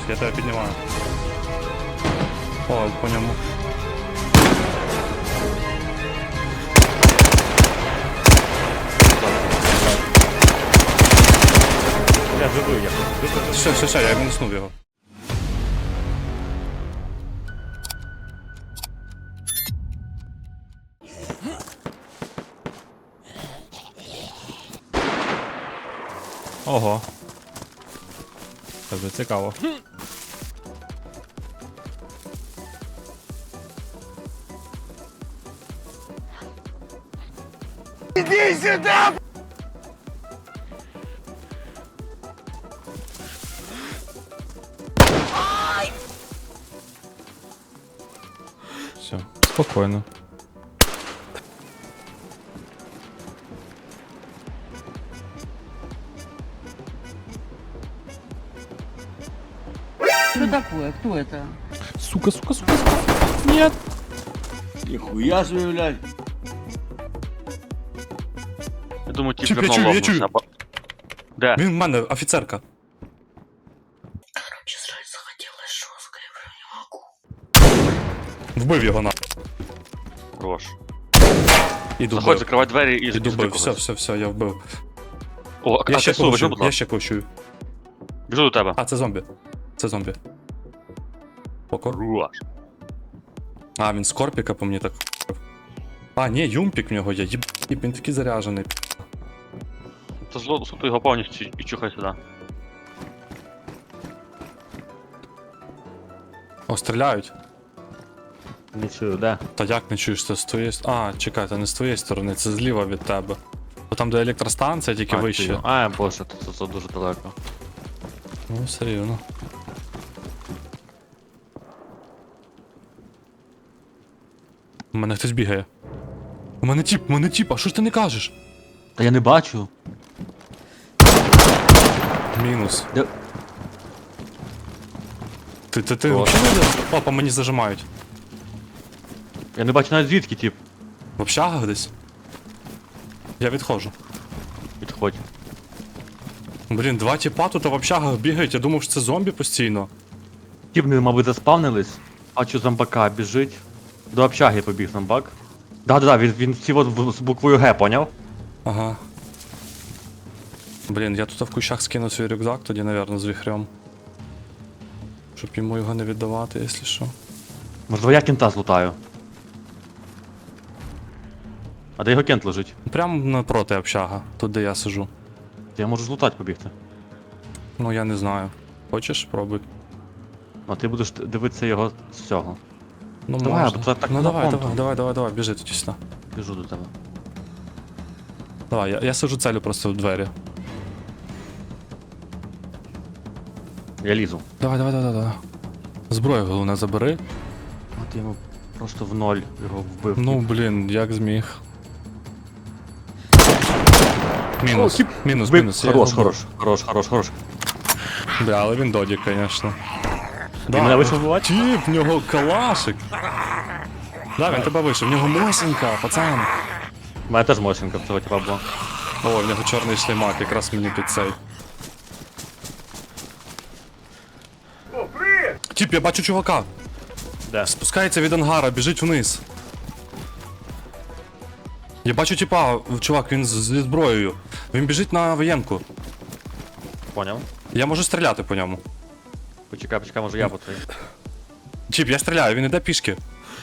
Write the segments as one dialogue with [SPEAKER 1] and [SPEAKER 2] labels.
[SPEAKER 1] я тебе піднімаю. О, по ньому.
[SPEAKER 2] Я живий, я.
[SPEAKER 1] Все, я мінуснув його. Ого. Це вже цікаво.
[SPEAKER 3] Иди сюда!
[SPEAKER 1] Все, спокійно.
[SPEAKER 4] Что такое? Кто это?
[SPEAKER 1] Сука. Нет.
[SPEAKER 3] Нихуя себе, блядь.
[SPEAKER 2] Я думаю, ті
[SPEAKER 1] Чіп, я
[SPEAKER 2] прямо
[SPEAKER 1] чую.
[SPEAKER 2] лопнувся. Де?
[SPEAKER 1] Він в мене офіцерка.
[SPEAKER 4] Короче, жрать захотелось жестко, я прям не могу.
[SPEAKER 1] Вбив його на.
[SPEAKER 2] Хорош.
[SPEAKER 1] Іду
[SPEAKER 2] Заходь,
[SPEAKER 1] бив.
[SPEAKER 2] закривай двері і
[SPEAKER 1] Іду
[SPEAKER 2] жди
[SPEAKER 1] бив.
[SPEAKER 2] когось.
[SPEAKER 1] Все, я вбив.
[SPEAKER 2] О,
[SPEAKER 1] Я
[SPEAKER 2] а
[SPEAKER 1] ще
[SPEAKER 2] ти слухай,
[SPEAKER 1] когось
[SPEAKER 2] будь
[SPEAKER 1] чую, я
[SPEAKER 2] ласка.
[SPEAKER 1] ще когось чую.
[SPEAKER 2] Біжу до тебе.
[SPEAKER 1] А, це зомбі. Це зомбі. Покор.
[SPEAKER 2] Хорош.
[SPEAKER 1] А, він скорпіка по мені так. А, ні, юмпік в нього є. Він такий заряджений.
[SPEAKER 2] То зло, суто його повністю і чухай сюди.
[SPEAKER 1] О, стріляють.
[SPEAKER 2] Не чую, де?
[SPEAKER 1] Та як не чуєш, це з твоєї А, чекай, це не з твоєї сторони, це зліва від тебе. Бо там де електростанція, тільки вище.
[SPEAKER 2] А, боже, це дуже далеко.
[SPEAKER 1] Ну, все рівно. У мене хтось бігає. У мене тіп, а що ж ти не кажеш?
[SPEAKER 2] Та я не бачу.
[SPEAKER 1] Мінус.
[SPEAKER 2] Де?
[SPEAKER 1] Ти
[SPEAKER 2] О.
[SPEAKER 1] взагалі не йдеш? О, по мені зажимають.
[SPEAKER 2] Я не бачу навіть звідки, тип.
[SPEAKER 1] В общагах десь? Я відходжу.
[SPEAKER 2] Підходь.
[SPEAKER 1] Блін, два тіпа тут в общагах бігають, я думав, що це зомбі постійно.
[SPEAKER 2] Тіп, не, мабуть, заспавнились. Бачу зомбака біжить. До общаги побіг зомбак. Да, він всі от з буквою Г, поняв?
[SPEAKER 1] Ага. Блін, я тут в кущах скину свій рюкзак, тоді, напевно, з віхрем. Щоб йому його не віддавати, якщо що.
[SPEAKER 2] Можливо, я кента злутаю. А де його кент лежить?
[SPEAKER 1] Прямо напроти общага, тут де я сижу.
[SPEAKER 2] Я можу злутати побігти.
[SPEAKER 1] Ну я не знаю. Хочеш, спробуй.
[SPEAKER 2] А ти будеш дивитися його з цього.
[SPEAKER 1] Ну
[SPEAKER 2] Давай,
[SPEAKER 1] можна.
[SPEAKER 2] бо це так
[SPEAKER 1] Ну
[SPEAKER 2] на
[SPEAKER 1] давай,
[SPEAKER 2] понту.
[SPEAKER 1] давай, біжи тоді сюди.
[SPEAKER 2] Біжу до тебе.
[SPEAKER 1] Давай, я сижу целю просто в двері.
[SPEAKER 2] Я лізу.
[SPEAKER 1] Давай. Зброю головне забери.
[SPEAKER 2] От я йому просто в ноль його вбив.
[SPEAKER 1] Ну блін, як зміг. Мінус. Мінус. Я його вбив.
[SPEAKER 2] Хорош.
[SPEAKER 1] Бля, але він додік, звісно.
[SPEAKER 2] Він мене вийшов вбивати?
[SPEAKER 1] Тіп, в нього калашик. Да, він тебе вийшов, в нього мосінька, пацан.
[SPEAKER 2] У мене теж мощенка в цього типа була.
[SPEAKER 1] О, в нього чорний шлеймак, якраз мені під цей. Тіп, я бачу чувака.
[SPEAKER 2] Де?
[SPEAKER 1] Спускається від ангара, біжить вниз. Я бачу тіпа, чувак, він зі зброєю. Він біжить на воєнку.
[SPEAKER 2] Поняв.
[SPEAKER 1] Я можу стріляти по ньому.
[SPEAKER 2] Почекай, може я по твоїй.
[SPEAKER 1] Тіп, я стріляю, він іде пішки.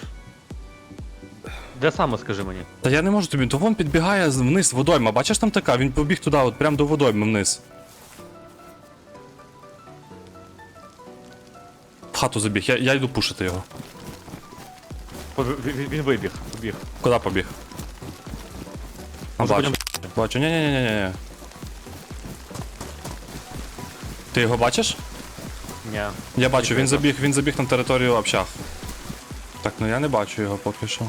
[SPEAKER 2] Де саме, скажи мені?
[SPEAKER 1] Та я не можу тобі, то вон підбігає вниз водойма. Бачиш там така? Він побіг туди, от прям до водойми вниз. В хату забіг, я йду пушити його.
[SPEAKER 2] Він вибіг, побіг.
[SPEAKER 1] Куди побіг? А,
[SPEAKER 2] Може,
[SPEAKER 1] бачу.
[SPEAKER 2] потім-
[SPEAKER 1] Бачу, ні. Ти його бачиш?
[SPEAKER 2] Ні.
[SPEAKER 1] Я бачу, він забіг на територію общаг. Так, ну я не бачу його поки що.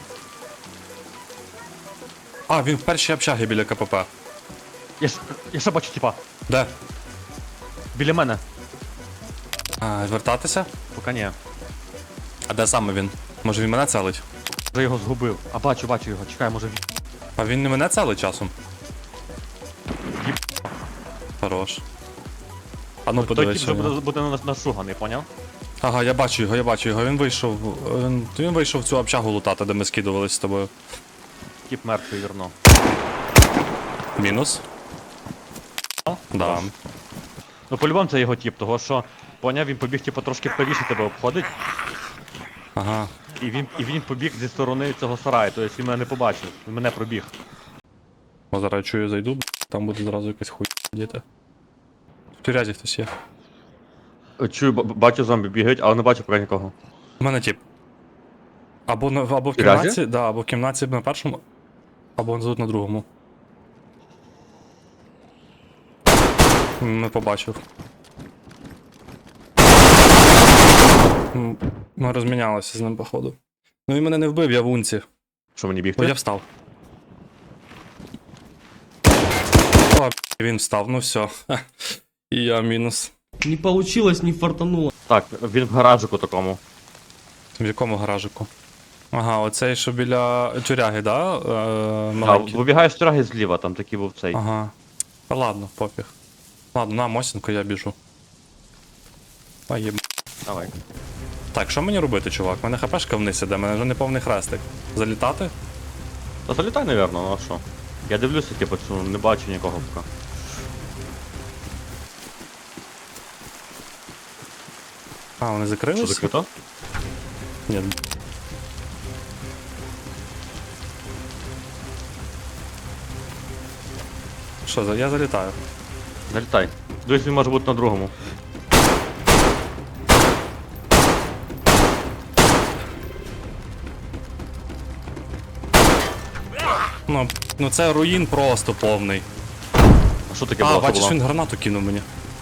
[SPEAKER 1] А, він в першій общагі біля КПП.
[SPEAKER 2] Я ще бачу типа.
[SPEAKER 1] Де?
[SPEAKER 2] Біля мене.
[SPEAKER 1] А, вертатися?
[SPEAKER 2] Поки ні.
[SPEAKER 1] А де саме він? Може він мене целить?
[SPEAKER 2] Вже його згубив. А бачу його. Чекай, може він.
[SPEAKER 1] А він не мене целить часом? Хорош. А ну
[SPEAKER 2] Той
[SPEAKER 1] подивись.
[SPEAKER 2] тип
[SPEAKER 1] що
[SPEAKER 2] вже
[SPEAKER 1] в нього.
[SPEAKER 2] буде нашуганий, поняв?
[SPEAKER 1] Ага, я бачу його. Він вийшов. Він вийшов в цю общагу лутати, де ми скидувались з тобою.
[SPEAKER 2] Тип мертвий вірно.
[SPEAKER 1] Мінус. Да.
[SPEAKER 2] Ну по-любому це його тип, того що, поняв, він побіг типу трошки правіше тебе обходить,
[SPEAKER 1] Ага.
[SPEAKER 2] і він побіг зі сторони цього сараю, тобто він мене не побачив, він мене пробіг.
[SPEAKER 1] О, зараз чую, зайду, там буде зразу якась хуй діти. В тюрязі хтось є.
[SPEAKER 2] Чую, бачу зомбі бігають, але не бачу поки нікого.
[SPEAKER 1] У мене тип. Або в
[SPEAKER 2] Тюрязі?
[SPEAKER 1] кімнаті, да, або в кімнаті на першому, або тут на другому. Не побачив. Ми розмінялися з ним, походу. Ну він мене не вбив, я в унці.
[SPEAKER 2] Що мені
[SPEAKER 1] О,
[SPEAKER 2] бігти?
[SPEAKER 1] я встав. О, він встав, ну все. І я мінус.
[SPEAKER 5] Не получилось, не фартануло.
[SPEAKER 2] Так, він в гаражику такому.
[SPEAKER 1] В якому гаражику? Ага, оцей, що біля тюряги, да?
[SPEAKER 2] А,
[SPEAKER 1] Маленький.
[SPEAKER 2] вибігаєш з траги зліва, там такий був цей.
[SPEAKER 1] Ага. Та ладно, пофіг. Ладно, на Мосінку я біжу. А єб...
[SPEAKER 2] Давай.
[SPEAKER 1] Так, що мені робити, чувак? У мене хпшка вниз іде, у мене вже не повний хрестик. Залітати?
[SPEAKER 2] Та залітай, напевно, ну а що? Я дивлюся, типу, що не бачу нікого поки.
[SPEAKER 1] А, вони
[SPEAKER 2] Що
[SPEAKER 1] закрилися?
[SPEAKER 2] закрито?
[SPEAKER 1] Ні. Що, я залітаю.
[SPEAKER 2] Залітай. Дивись, він може бути на другому.
[SPEAKER 1] Ну це руїн просто повний.
[SPEAKER 2] А що таке
[SPEAKER 1] А,
[SPEAKER 2] було?
[SPEAKER 1] бачиш,
[SPEAKER 2] Що
[SPEAKER 1] він
[SPEAKER 2] було?
[SPEAKER 1] гранату кинув мені.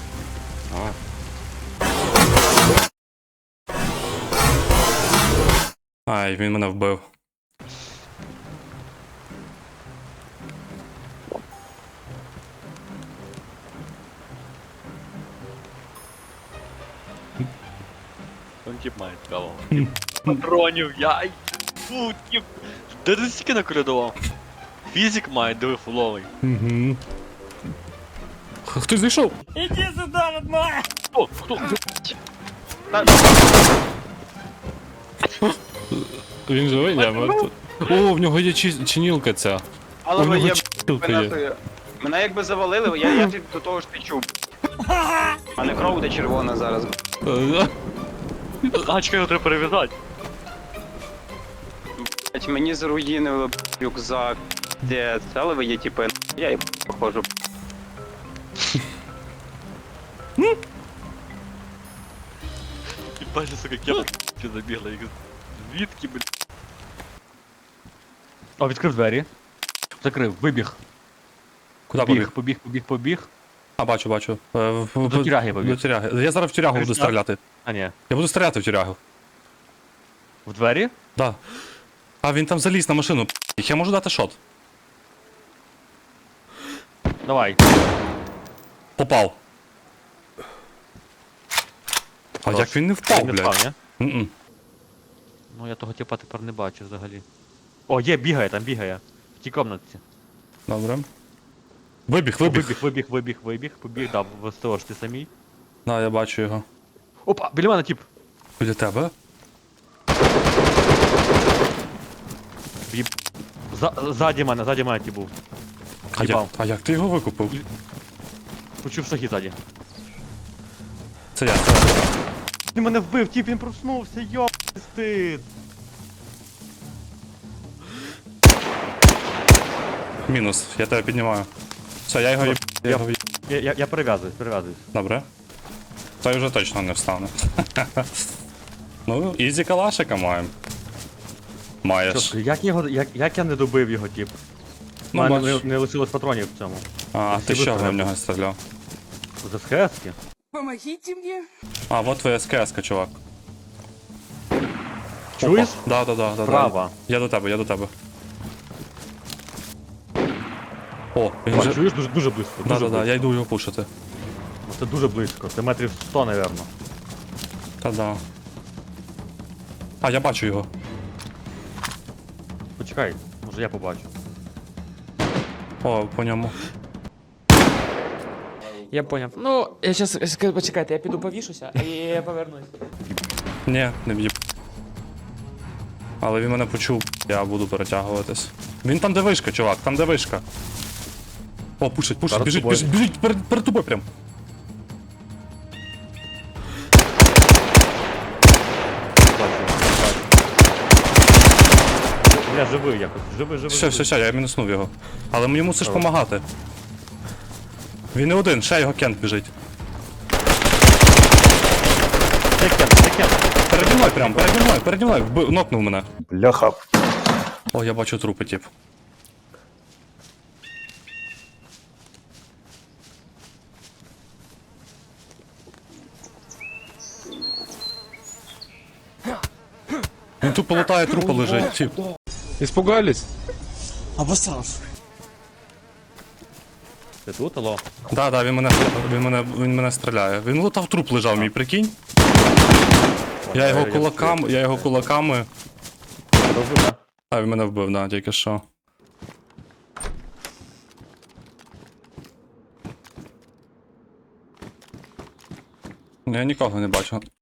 [SPEAKER 1] Ай, він мене вбив.
[SPEAKER 6] Он тип має цікаво. Патронів, яй! Фу, тип! Де ти стільки накоридував? Фізик має, диви фуловий.
[SPEAKER 1] Угу. Хтось зайшов?
[SPEAKER 6] Хто? Хто?
[SPEAKER 1] Він живий, я мертвий. О, в нього є чинілка ця.
[SPEAKER 7] Але
[SPEAKER 1] У
[SPEAKER 7] ви
[SPEAKER 1] нього
[SPEAKER 7] є
[SPEAKER 1] чинілка є.
[SPEAKER 7] мене якби завалили, я до того ж ти чув. А не кров де червона зараз.
[SPEAKER 6] А, чекай, його треба перев'язати.
[SPEAKER 7] Блять, мені заруїнили рюкзак. Де це, але ви є типи. Я і похожу.
[SPEAKER 6] І бачиш, сука, як я п***ю забігла. Як звідки, блядь?
[SPEAKER 2] О, відкрив двері. Закрив, вибіг.
[SPEAKER 1] Куди побіг?
[SPEAKER 2] Побіг.
[SPEAKER 1] А, бачу.
[SPEAKER 2] До тюряги побіг.
[SPEAKER 1] До тюряги. Я зараз в тюрягу буду
[SPEAKER 2] Кришна.
[SPEAKER 1] стріляти.
[SPEAKER 2] А ні.
[SPEAKER 1] Я буду стріляти в тюрягу.
[SPEAKER 2] В двері?
[SPEAKER 1] Да. А, він там заліз на машину. Я можу дати шот.
[SPEAKER 2] Давай.
[SPEAKER 1] Попав. А
[SPEAKER 2] Хорош.
[SPEAKER 1] як він не впав,
[SPEAKER 2] Він не впав,
[SPEAKER 1] блядь?
[SPEAKER 2] ні?
[SPEAKER 1] М-м.
[SPEAKER 2] Ну я того типа тепер не бачу взагалі. О, є, бігає, там бігає. В тій комнатці.
[SPEAKER 1] Добре. Вибіг.
[SPEAKER 2] Вибіг, побіг, да, в СТО ж ти самій.
[SPEAKER 1] Да, я бачу його.
[SPEAKER 2] Опа, біля мене тип.
[SPEAKER 1] Біля тебе?
[SPEAKER 2] Ззаді мене тип був. Їбав.
[SPEAKER 1] А як ти його викупив?
[SPEAKER 2] Почув шаги ззаді.
[SPEAKER 1] Це я.
[SPEAKER 2] Ти мене вбив, тип, він проснувся, йо, стид.
[SPEAKER 1] Мінус, я тебе піднімаю. Все, я його
[SPEAKER 2] Я перев'язуюсь.
[SPEAKER 1] Добре. Той вже точно не встане. Ну, ізі калашика маємо. Маєш.
[SPEAKER 2] Що, як я не добив його, тип? У
[SPEAKER 1] Ну,
[SPEAKER 2] мене
[SPEAKER 1] бач.
[SPEAKER 2] не лишилось патронів в цьому.
[SPEAKER 1] А, ти
[SPEAKER 2] всі
[SPEAKER 1] що
[SPEAKER 2] вистріли.
[SPEAKER 1] в нього стріляв?
[SPEAKER 2] З СХС-ки?
[SPEAKER 1] А, вот твоя СКС-ка, чувак.
[SPEAKER 2] Чуєш?
[SPEAKER 1] Да.
[SPEAKER 2] Справа.
[SPEAKER 1] Я до тебе. О, він
[SPEAKER 2] О,
[SPEAKER 1] вже...
[SPEAKER 2] чуєш? Дуже близько. Дуже
[SPEAKER 1] Да,
[SPEAKER 2] близько.
[SPEAKER 1] я йду його пушити.
[SPEAKER 2] Ну, це дуже близько. Це метрів 100, напевно.
[SPEAKER 1] Та-да. А, я бачу його.
[SPEAKER 2] Почекай, може я побачу.
[SPEAKER 1] О, по ньому.
[SPEAKER 8] Я поняв. Ну, я щас, почекайте, я піду повішуся, і я повернусь.
[SPEAKER 1] Ні, не б'є. Але він мене почув, я буду перетягуватись. Він там де вишка, чувак, там де вишка. О, пушить,
[SPEAKER 2] Перед
[SPEAKER 1] біжить,
[SPEAKER 2] тобою.
[SPEAKER 1] біжить, перед тобою прям.
[SPEAKER 2] Бля, живий якось. Живий.
[SPEAKER 1] Все, я мінуснув його. Але йому мусиш допомагати. Він не один, ще його кент біжить.
[SPEAKER 2] Це кент.
[SPEAKER 1] Переді мною прям, переді мною, нокнув мене.
[SPEAKER 3] Бляха.
[SPEAKER 1] О, я бачу трупи, тип. Він тупо лутає, трупи лежить, тип.
[SPEAKER 9] Испугались?
[SPEAKER 2] Ти тут, алло?
[SPEAKER 1] Да, він мене стріляє. Він лутав труп лежав мій, прикинь. Я його кулаками.
[SPEAKER 2] Розумію, да?
[SPEAKER 1] А, він мене вбив, да, тільки що. Я нікого не бачу.